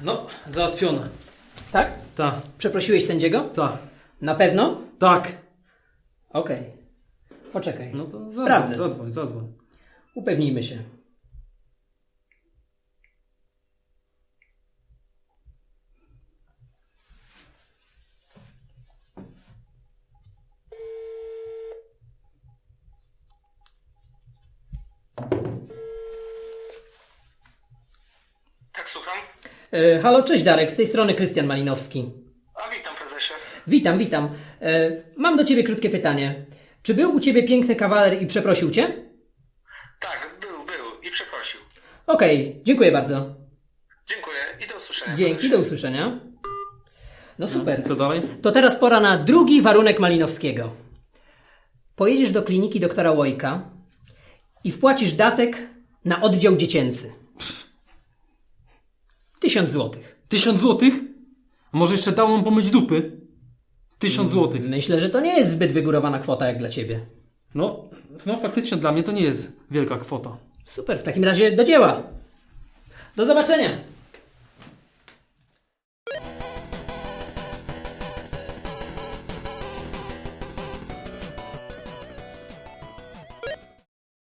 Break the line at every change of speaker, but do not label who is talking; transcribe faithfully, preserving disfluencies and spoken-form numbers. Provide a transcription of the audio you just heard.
No, załatwione.
Tak?
Tak,
Przeprosiłeś sędziego?
tak,
Na pewno?
tak.
Okej. Poczekaj.
No to zadzwoń,
Sprawdzę.
zadzwoń, zadzwoń.
Upewnijmy się.
Tak, słucham.
E, halo, cześć Darek, z tej strony Krystian Malinowski.
A witam, prezesie.
Witam, witam. E, mam do Ciebie krótkie pytanie. Czy był u Ciebie piękny kawaler i przeprosił Cię?
Tak, był, był i przeprosił.
Okej, dziękuję bardzo.
Dziękuję i do usłyszenia.
Dzięki, do usłyszenia. No super.
Co dalej?
To teraz pora na drugi warunek Malinowskiego. Pojedziesz do kliniki doktora Łojka i wpłacisz datek na oddział dziecięcy. Tysiąc złotych.
Tysiąc złotych? A może jeszcze dał nam pomyć dupy? Tysiąc złotych.
Myślę, że to nie jest zbyt wygórowana kwota jak dla Ciebie.
No, no faktycznie dla mnie to nie jest wielka kwota.
Super, w takim razie do dzieła. Do zobaczenia.